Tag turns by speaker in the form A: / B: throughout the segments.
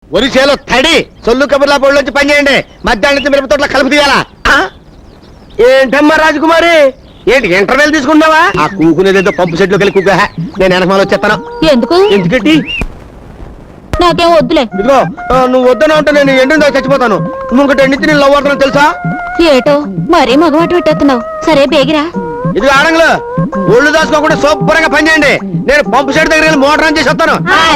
A: ఒరిసేలో తడి సొల్లు కబుర్లా బోళ్ళొచ్చి పని చేయండి. మధ్యాహ్నం మిరప తోటలో కలుపు తీయాలా? ఏంటమ్మా రాజకుమారి, ఏంటి ఇంటర్వెల్ తీసుకున్నావా? ఆ కూకునేదేదో పంపు సెట్లోకి వెళ్ళి కూక. నేను వెనకమాల వచ్చేస్తాను.
B: ఎందుకు?
A: ఎందుకంటే
B: నాకేం వద్దులే.
A: ఇదిగో నువ్వు వద్దన ఉంటే నేను ఎండిన చచ్చిపోతాను. నువ్వు ఇంకటి ఎండితే నేను లవ్ అవుతాను తెలుసా?
B: ఏటో మరీ మగమాట పెట్టేస్తున్నావు. సరే బేగిరా.
A: ఇది ఆడంగులు ఒళ్ళు దాచుకోకుండా శుభ్రంగా పని చేయండి. నేను పంపు సెట్ దగ్గర వెళ్ళి మోటార్ ఆన్ చేసి వస్తాను.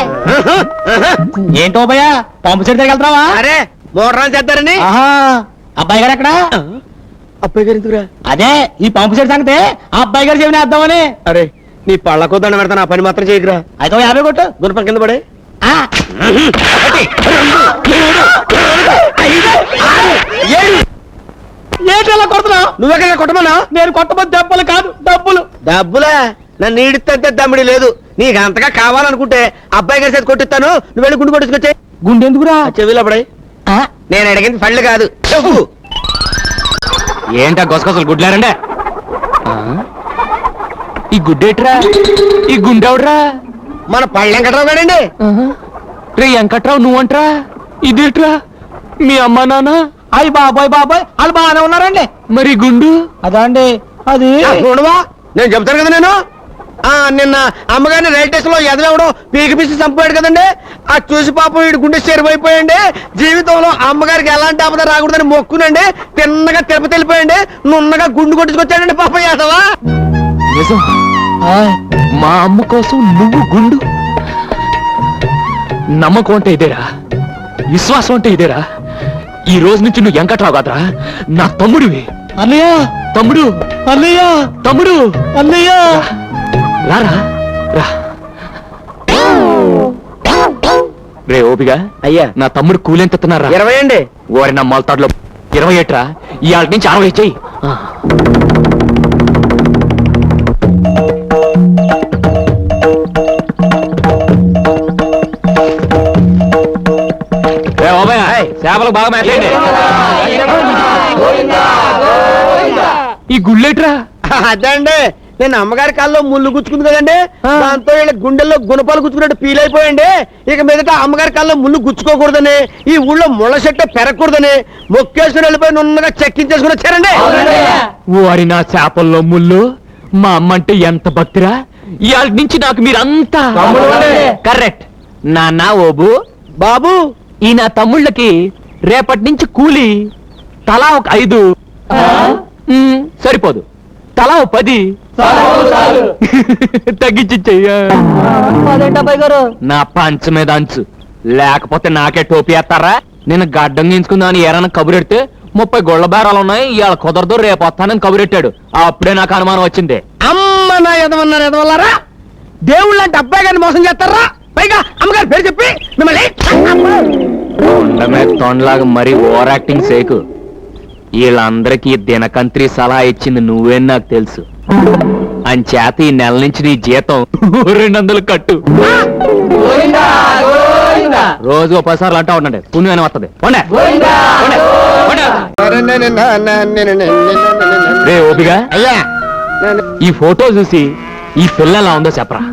C: ఏంటో భయ్యా పంపు సెట్ దగ్గర వెళ్తావా?
A: అరే మోటార్ ఆన్ చేద్దారని.
C: అబ్బాయి గారు ఎక్కడ?
A: అబ్బాయి గారు ఎందుకురా?
C: అదే ఈ పంపు సెట్ సంగతే ఆ అబ్బాయి గారు చెవిని వేద్దామని.
A: అరే నీ పళ్ళకో దండ పెడతాను. ఆ పని మాత్రం చేయకురా.
C: అయితే 50 కొట్టు.
A: గుణపం కింద పడే.
C: ఏంటలా కొడుతున్నావు?
A: నువ్వెక్కడ కొట్టమన్నా?
C: నేను కొట్టబోతు దెబ్బలు కాదు డబ్బులు.
A: డబ్బులా? నన్ను ఈడితే దమ్మిడి లేదు. నీకు అంతగా కావాలనుకుంటే అబ్బాయి గారి చేతి కొట్టిస్తాను. నువ్వు వెళ్ళి గుండు కొట్టుకొచ్చే.
C: గుండె ఎందుకురా?
A: చెవిలో పడే. నేను అడిగింది పళ్ళు కాదు చెప్పు.
C: ఏంటా గొసగొసలు గుడ్లారండే? ఈ గుడ్డేట్రా? ఈ గుండెవడ్రా?
A: మన పళ్ళు వెంకట్రావు గారండి.
C: రే వెంకట్రావు నువ్వంట్రా? ఇదేట్రా? మీ అమ్మ నాన్న? అయ్యి బాబాయ్ వాళ్ళు బాగానే ఉన్నారండి. మరి గుండు? అదా అండి అది.
A: చూడవా నేను చెప్తాను కదా. నేను నిన్న అమ్మగారిని రైల్ స్టేషన్ లో ఎదవడం పీకి పిసి చంపాడు కదండి. ఆ చూసి పాపం వీడి గుండె చెరిపోయిపోయండి. జీవితంలో అమ్మగారికి ఎలాంటి ఆపద రాకూడదని మొక్కునండి. తిన్నగా తిరుపతి వెళ్ళిపోయండి. నున్నగా గుండు కొట్టుకొచ్చాడండి పాపం యాదవా.
C: నిజం? మా అమ్మ కోసం నువ్వు గుండు? నమ్మకం అంటే ఇదేరా, విశ్వాసం అంటే ఇదేరా. ఈ రోజు నుంచి నువ్వు వెంకట్రావు కాదురా, నా తమ్ముడివి. అన్నయ్య తమ్ముడు, అన్నయ్య తమ్ముడు, అన్నయ్య రారా రా. రే ఓపిగా
A: అయ్యా
C: నా తమ్ముడు కూలెంతున్నారా?
A: 20 అండి.
C: ఓరి నా మొలతాడులో 20 ఏట్రా. ఇవాళ నుంచి 60 చెయ్యి. చేపలు బాగా మేతండి. ఈ గుళ్ళేట్రా?
A: అదే అండి నేను అమ్మగారి కాల్లో ముళ్ళు గుచ్చుకుంది కదండి. దాంతో వీళ్ళ గుండెల్లో గుణపాలు గుచ్చుకున్నట్టు ఫీల్ అయిపోయండి. ఇక మీదట అమ్మగారి కాల్లో ముళ్ళు గుచ్చుకోకూడదని, ఈ ఊళ్ళో ముళ్ళ చెట్టు పెరగకూడదని మొక్కేసుకుని వెళ్ళిపోయి నున్నగా చెక్కించేసుకుని వచ్చారండి.
C: వారి నా చేపల్లో ముళ్ళు. మా అమ్మ అంటే ఎంత భక్తిరా. ఇవాళ నుంచి నాకు మీరంతా కరెక్ట్. నాన్న ఓబు
A: బాబు
C: ఈ నా తమ్ముళ్ళకి రేపటి నుంచి కూలి తలా ఒక 5 సరిపోదు, తలా 10 తగ్గించి చెయ్యా. నా పంచ మీద అంచు లేకపోతే నాకే టోపీ వేస్తారా? నేను గడ్డం గీంచుకుందామని ఏరైనా కబురెడితే 30 గొళ్ళ బేరాలు ఉన్నాయి, ఇవాళ కుదరదు రేపు వస్తానని కబురెట్టాడు. అప్పుడే నాకు అనుమానం వచ్చింది.
A: అమ్మ నా ఎదవన్నారు ఎదవల్లారా. దేవుళ్ళు అంటే అబ్బాయి గారిని మోసం చేస్తారా? పైగా అమ్మగారి పేరు చెప్పి మిమ్మల్ని
C: తొండలాగా మరీ ఓవర్ యాక్టింగ్ సేకు. వీళ్ళందరికీ దినకంత్రి సలహా ఇచ్చింది నువ్వే నాకు తెలుసు. అంచేత ఈ నెల నుంచి నీ జీతం 200 కట్టు. రోజు 10 సార్లు అంటా ఉండండి, పుణ్యం వస్తుంది. రే ఓపిగా
A: అయ్యా
C: ఈ ఫోటో చూసి ఈ పిల్ల ఎలా ఉందో చెప్పరా.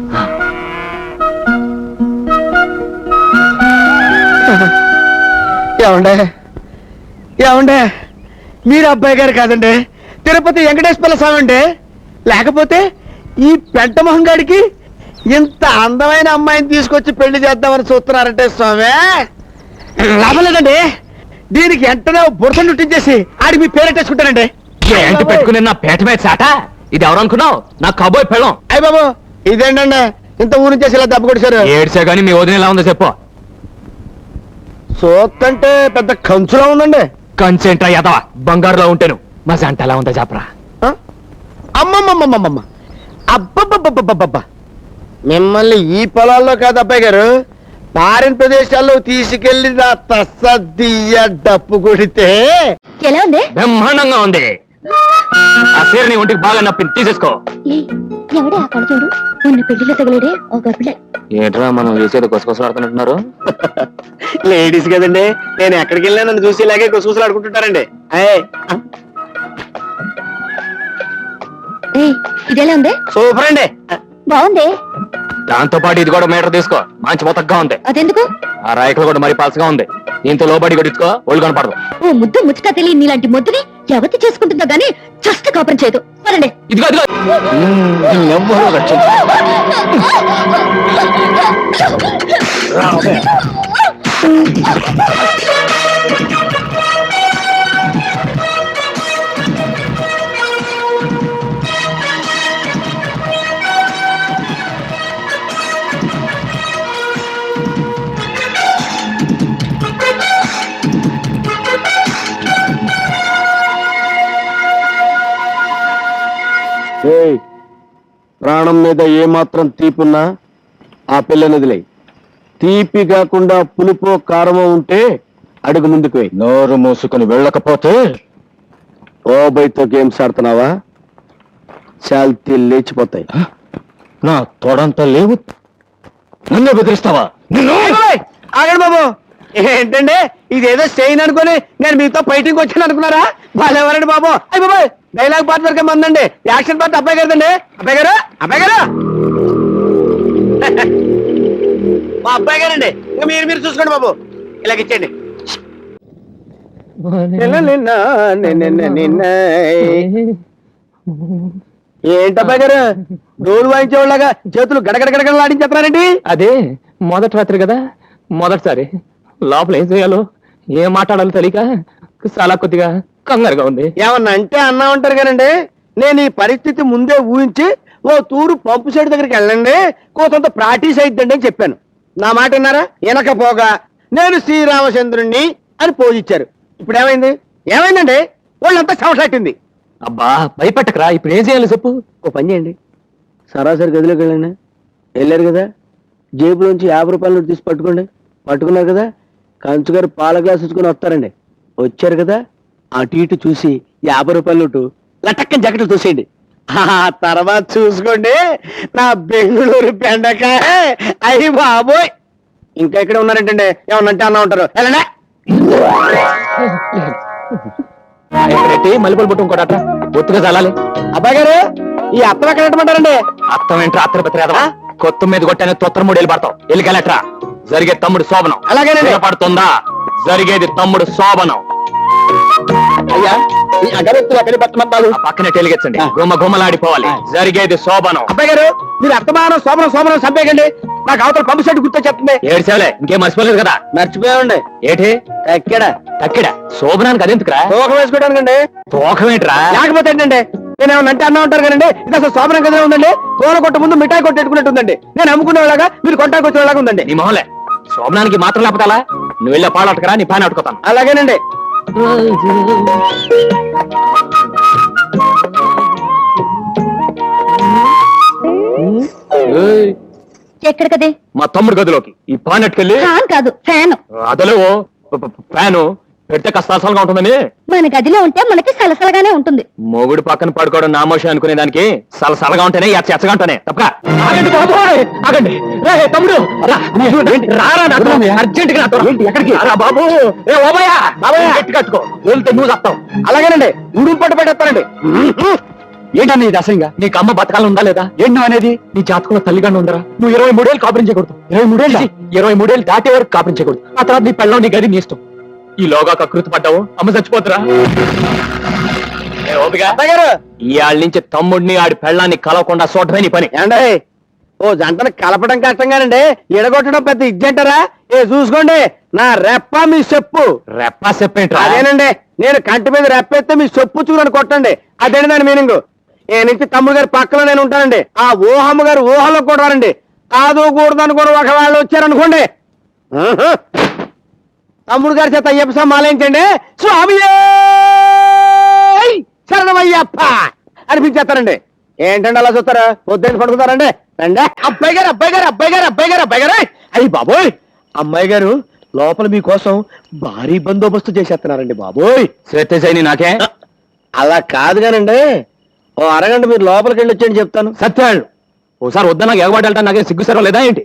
A: ఏమండే మీరు అబ్బాయి గారు కాదండి, తిరుపతి వెంకటేశ్వర స్వామి అండి. లేకపోతే ఈ పెంట మొహం గాడికి ఇంత అందమైన అమ్మాయిని తీసుకొచ్చి పెళ్లి చేద్దామని చూస్తున్నారంటే స్వామి లాభం లేదండి. దీనికి వెంటనే బురద చుట్టించేసి ఆడికి మీ పేరెట్టేసుకుంటానండి.
C: ఏంటి పెట్టుకుని నా పేట మీద చాట? ఇది ఎవరు అనుకున్నావు? నా కబోయ్ పెళ్ళం.
A: అయ్య బాబు ఇదేంటండి ఇంత ఊరి నుంచి ఇలా దెబ్బ కొట్టేశారు.
C: ఏడ్చా గానీ మీ వదిన ఎలా ఉందో చెప్పు.
A: సోత్తంటే పెద్ద కంచులా ఉందండి.
C: కంచేంట్రా ఎదవా, బంగారులో ఉంటాను. మా జంట ఎలా ఉందో చెప్పరా.
A: అమ్మమ్మమ్మమ్మమ్మ అబ్బబ్బబ్బబ్బబ్బబ్బా. మిమ్మల్ని ఈ పొలాల్లో కాదు అబ్బాయి గారు, పారిన ప్రదేశాల్లో తీసుకెళ్లి నా తస్సదియ్య డప్పు కొడితే
B: ఎలా ఉంది?
C: బ్రహ్మాండంగా ఉంది. ఆ చీర నీ ఒంటికి బాగా నప్పింది, తీసేసుకో.
B: ఎవడే ఆ కళచూడు ఉన్న పెళ్లిలో తగిలేడే ఒక గర్భిడే.
C: ఏంట్రా మనం చేసేది గుసగుసలాడుతున్నట్టున్నారు?
A: లేడీస్ కదండి, నేను ఎక్కడికి వెళ్ళినా నన్ను చూసి ఇలాగే గుసగుసలు ఆడుకుంటుంటారండి.
B: ఇదెలా ఉంది?
A: సూపర్ అండి.
B: బాగుంది.
C: దాంతో పాటు ఇది కూడా మీటర్ తీసుకో మంచి మొత్తగా ఉంది.
B: అదెందుకు?
C: ఆ రాయకులు కూడా మరి పలసగా ఉంది. దీంతో లోబడి కొట్టించుకో, ఒళ్ళు కనపడదు.
B: ఓ ముద్దు ముచ్చట తెలియని నీలాంటి ముద్దుని ఎవతి చేసుకుంటుందో గానీ చస్త కాపురం చేయదు. పదండి.
C: ఇదిగో ఇదిగో ఎవ్వరూ
A: ప్రాణం మీద ఏమాత్రం తీపున్నా ఆ పిల్లనిదిలే. తీపి కాకుండా పులుపో కారమో ఉంటే అడుగు ముందుకు వెయ్యి.
C: నోరు మూసుకుని వెళ్ళకపోతే
A: ఓబైతో గేమ్స్ ఆడుతున్నావా? శాల్తీ లేచిపోతాయి.
C: నా తోడంతా లేవు, నన్నే బెదిరిస్తావా?
A: ఆగండి బాబు. ఏంటండి ఇదేదో స్టెయిన్ అనుకుని నేను మీతో ఫైటింగ్ వచ్చాను అనుకున్నారా? వాళ్ళెవరండి బాబు? అయ్యి బాబు, డైలాగ్ పార్ట్ వరకే మందండి, యాక్షన్ పార్ట్ అబ్బాయి గారిదండి. అబ్బాయి గారు, అబ్బాయి గారు, మా అబ్బాయి గారండి. ఇంకా మీరు చూసుకోండి బాబు. ఇలాగ ఇచ్చేయండి. ఏంటబ్బాయి గారు డోలు వాయించేవాళ్ళగా చేతులు గడగడగడగడలాడించేస్తున్నారండి?
C: అదే మొదటి రాత్రి కదా, మొదటిసారి లోపల ఏం చేయాలో ఏం మాట్లాడాలో తెలియక చాలా కొద్దిగా కంగారుగా ఉంది.
A: ఏమన్నా అంటే అన్నా ఉంటారు కానండి. నేను ఈ పరిస్థితి ముందే ఊహించి ఓ తూరు పంపు సైడ్ దగ్గరికి వెళ్ళండి, కొంత ప్రాక్టీస్ అయిద్దండి అని చెప్పాను. నా మాట విన్నారా? వెనకపోగా నేను శ్రీరామచంద్రుణ్ణి అని పోజిచ్చారు. ఇప్పుడు ఏమైంది? ఏమైందండి? వాళ్ళంతా చవసాటింది.
C: అబ్బా భయపెట్టకరా, ఇప్పుడు ఏం చేయాలి చెప్పు.
A: ఓ పని చేయండి, సరాసరి గదిలోకి వెళ్ళండి. వెళ్ళారు కదా, జేబులోంచి 50 రూపాయలు తీసి పట్టుకోండి. పట్టుకున్నారు కదా, కంచుగారు పాల గ్లాస్ ఇచ్చుకుని వస్తారండి. వచ్చారు కదా, అటు ఇటు చూసి 50 రూపాయల నోటు లటక్కని జగట్లు చూసేయండి. ఆ తర్వాత చూసుకోండి నా బెంగళూరు బెండకాయ. అయ్యి బాబోయ్, ఇంకా ఇక్కడ ఉన్నారంటండి. ఏమన్నంటే అన్నా ఉంటారు. వెళ్ళండి.
C: పెట్టి మల్లెపూలు పుట్టు ఇంకోట ఒత్తుగా చల్లాలి.
A: అబ్బాయి గారు, ఈ అత్తం ఎక్కడ పెట్టమంటారండి?
C: అర్థం ఏంట్రా? అత్తర పెత్తరా కొత్త మీద కొట్టానే తొత్తర 3 ఏళ్ళు పడతావు. ఎల్లికెళ్ళట్రా. జరిగే తమ్ముడు శోభనం.
A: అలాగేనండి.
C: పడుతుందా? జరిగేది తమ్ముడు శోభనం.
A: అయ్యా, ఈ అగరత్తులు ఎక్కడ పెట్టమంటారు?
C: పక్కనే టెలిగెచ్చండి, గుమ్మ గుమ్మలాడిపోవాలి. జరిగేది శోభనం.
A: అబ్బాయి గారు, మీరు అత్తమానం శోభనం శోభనం సబ్బేకండి. నాకు అవతల పంపు సెట్ గుర్తు చెప్తుంది.
C: ఏడ్చేవలే, ఇంకేం మర్చిపోలేదు కదా?
A: మర్చిపోయామండి.
C: ఏటి
A: ఎక్కడ
C: తక్కిడ శోభనానికి అదెందుకురా?
A: తోకం వేసుకోవడానికండి.
C: తోకమేంట్రా?
A: లేకపోతే ఏంటండి, నేను ఏమన్నా అంటే అన్నా ఉంటారు కదండి. ఇది అసలు శోభనం కదా ఉందండి. పూల కొట్ట ముందు మిఠాయి కొట్టేట్టుకున్నట్టు ఉందండి. నేను అమ్ముకునేలాగా మీరు కొట్టానికి వచ్చేలాగా ఉందండి.
C: నీ మొహలే, శోభనానికి మాత్రం లేకపోతే నువ్వు వెళ్ళే పాలు అట్టుకరా, నీ పైన అట్టుకోతాను.
A: అలాగేనండి.
B: ఎక్కడికదే?
C: మా తమ్ముడు గదిలోకి. ఈ పాన్ అట్టుకెళ్ళి.
B: ఫ్యాన్ కాదు, ఫ్యాన్.
C: అదలేవో ఫ్యాను పెడితే కష్టాలుగా ఉంటుందని.
B: మన గదిలో ఉంటే మనకి సలసలగానే ఉంటుంది.
C: మొగుడు పక్కన పడుకోవడం నామోషి అనుకునే దానికి సలసలగా ఉంటేనే ఎచ్చగా ఉంటానే తప్ప. ఆగండి బాబోయ్, ఆగండి. రే తమ్ముడు, రారా అర్జెంట్ గా. ఎక్కడికి రా బాబు? ఏ ఓబయ్యా, బాబాయ్ గట్టి కట్టుకో, వెళ్తే నువ్వు చెప్తావు.
A: అలాగేనండి, ఉడుపు పట్టు పెట్టేస్తానండి.
C: ఏంటన్నా ఇది అసహ్యంగా? నీకు అమ్మ బతకాలం ఉందా లేదా? ఏంటి నువ్వు అనేది? నీ జాతకంలో తల్లిగానే ఉందరా? నువ్వు 23 ఏళ్ళు కాపురం చేయకూడదు. 23 ఏళ్ళు దాటే వరకు కాపురం చేయకూడదు. ఆ తర్వాత నీ పెళ్ళం, నీ గది, నీ ఇష్టం. ఈ లోగా కృతి పడ్డావు, అమ్మ చచ్చిపోతురా. ఇవాళ నుంచి తమ్ముడిని ఆడి పెళ్ళాన్ని కలవకుండా చూడటమే నీ పని.
A: ఏండి, ఓ జంటను కలపడం కష్టంగానండి, ఎడగొట్టడం పెద్ద ఇజ్జంటారా? చూసుకోండి, నా రెప్ప మీ చెప్పు.
C: రెప్ప చెప్పేంట్రా?
A: అదేనండి, నేను కంటి మీద రెప్పెత్తే మీ చెప్పు చూడని కొట్టండి. అదేంటి దాని మీనింగ్. ఏ నుంచి తమ్ముడు గారి పక్కన నేను ఉంటానండి. ఆ ఊహమ్మ గారు ఊహలో కూడా రండి. కాదు కూడదని కూడా ఒకవేళ వచ్చారనుకోండి, తమ్ముడు గారి చేత అయ్యప్ప మాలేంచండి. స్వామి శరణమయ్యప్ప అనిపించేస్తారండి. ఏంటండి అలా చూస్తారా? పొద్దున్న పడుకుతారండి. రండి. అబ్బాయి గారు, అబ్బాయి గారు, అబ్బాయి గారు, అబ్బాయి గారు, అబ్బాయి గారు. అయ్యి బాబోయ్, అమ్మాయి గారు లోపల మీకోసం భారీ బందోబస్తు చేసేస్తున్నారండి బాబోయ్.
C: శ్వేతని నాకే
A: అలా కాదు కానండి, ఓ అరగంట మీరు లోపలికి వెళ్ళి వచ్చేయండి చెప్తాను.
C: సత్యాళ్ళు ఓసారి వద్దా నాకు ఎగబడి వెళ్తాను. నాకేం సిగ్గుసరం లేదా ఏంటి?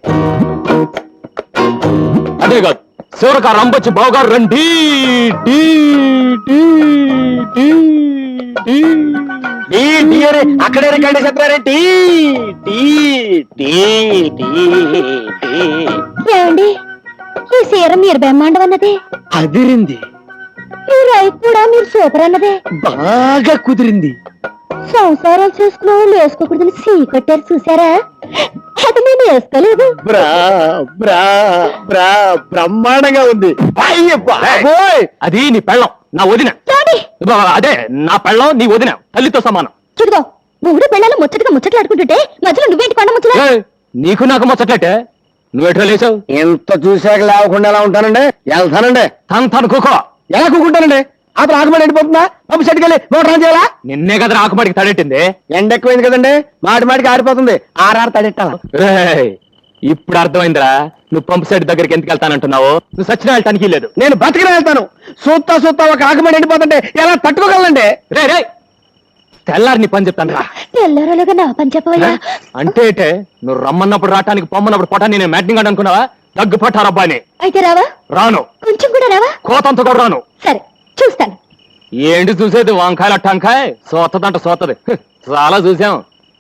C: అదే కాదు, శివరక రంపొచ్చి బావగారు రండి.
A: అక్కడే రికార్డు చెప్పారే టీ టీ టీ టీ టీ
B: ఏమండి ఈ సీర మీరు బ్రహ్మాండం అన్నదే,
A: అదిరింది,
B: ఈ రైతు కూడా మీరు సూపర్ అన్నదే.
A: బాగా కుదిరింది.
B: సంసారాలు చేసుకున్న వాళ్ళు వేసుకోకూడదని సీ కట్టారు చూసారా? అది నేను వేసుకోలేదు.
A: బ్రా బ్రా బ్రా బ్రహ్మాండంగా ఉంది. అయ్య బాబోయ్!
C: అది నీ పెళ్ళం, నా వదిన.
B: రాండి,
C: అదే నా పెళ్ళం, నీ వదిన, తల్లితో సమానం.
B: చూడుగో మూడు పిల్లలు ముచ్చటగా ముచ్చట్లాడుకుంటుంటే మధ్యలో నువ్వేంటి కొండ ముచ్చట?
C: ఏయ్, నీకు నాకు ముచ్చట్లట్టే, నువ్వెట్లా లేచావు?
A: ఎంత చూశాక లేవకుండా ఎలా ఉంటానండి? వెళ్తానండి.
C: తను కూకో.
A: ఎలా కూకుంటానండి? అతను ఆకుమడి ఎండిపోతుందా? పంపు సెట్కెళ్ళి మోటార్ ఆన్ చేయాలా?
C: నిన్నే కదా ఆకుమాడికి తడెట్టింది.
A: ఎండ ఎక్కువైంది కదండి, మాటి మాటికి ఆరిపోతుంది. ఆర్ఆర్ తడెట్టాలా?
C: రేయ్, ఇప్పుడు అర్థమైందిరా నువ్వు పంపు సెట్ దగ్గరికి ఎందుకు వెళ్తానంటున్నావు. నువ్వు సచిన వెళ్ళటానికి లేదు.
A: నేను బతికిన వెళ్తాను. సూత్తా సూత్తా ఒక ఆకుమడి ఎండిపోతుంటే ఎలా తట్టుకోగలండి?
C: రే రే, తెల్లారి నీ పని చెప్తాను రా.
B: తెల్లరలుగా నా పని చెప్పవయ్యా.
C: అంటే ఏటే, నువ్వు రమ్మన్నప్పుడు రావటానికి పొమ్మన్నప్పుడు పొటాన్ని నేను మ్యాటింగ్ అని అనుకున్నావా? దగ్గు పట్టారబ్బాని.
B: అయితే రావా?
C: రాను.
B: కొంచెం కూడా రావా?
C: కోతంత కూడా రాను.
B: సరే చూస్తాను.
C: ఏంటి చూసేది? వంకాయల టంకాయ సోతదంట సోతది. చాలా చూసాం.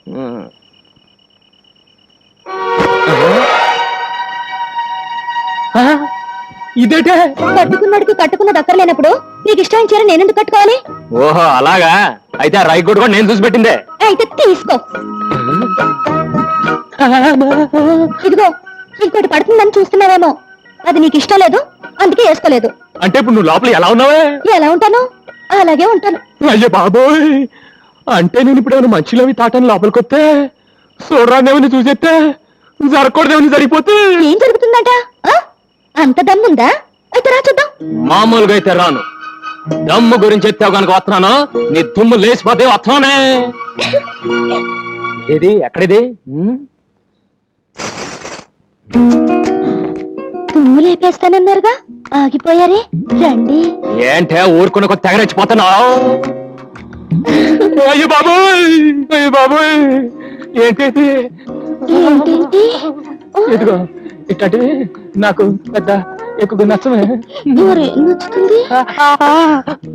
C: ఇదేటే?
B: కట్టుకున్నాడికి కట్టుకున్న దక్కర్లేనప్పుడు నీకు ఇష్టమైన చీర నేనెందుకు కట్టుకోవాలి?
C: ఓహో అలాగా, అయితే ఆ రైగోడు కూడా నేను చూసి పెట్టిందే.
B: అయితే తీసుకో. ఇదిగో ఇంకోటి పడుతుందని చూస్తున్నావేమో, అది నీకు ఇష్టం లేదు అందుకే వేసుకోలేదు.
C: అంటే ఇప్పుడు నువ్వు లోపల ఎలా ఉన్నావే?
B: ఎలా ఉంటాను అలాగే ఉంటాను.
C: అయ్యో బాబోయ్, అంటే నేను ఇప్పుడు ఏమైనా మంచిలోవి తాటాను లోపలికి వస్తే చూడరాదేమని చూసేస్తే జరగకూడదేమని జరిగిపోతే
B: ఏం జరుగుతుందట? ఆ? అంత దమ్ముందా? అయితే రా చూద్దాం.
C: మామూలుగా అయితే రాను. దమ్ము గురించి ఎత్తావు కనుక వస్తున్నాను. నీ దుమ్ము లేచిపోతే వస్తున్నానే. ఏది ఎక్కడిది?
B: తుమ్ము లేపేస్తానన్నారుగా, ఆగిపోయారే. రండి.
C: ఏంటే ఊరుకున్న కొద్ది తెగరెచ్చిపోతున్నావు? అయ్యో బాబోయ్, అయ్యో బాబోయ్, ఏంటి
B: ఏంటేంటి?
C: ఇదిగో ఇట్లాంటివి నాకు పెద్ద ఎక్కువ నచ్చమే.
B: నచ్చుతుంది.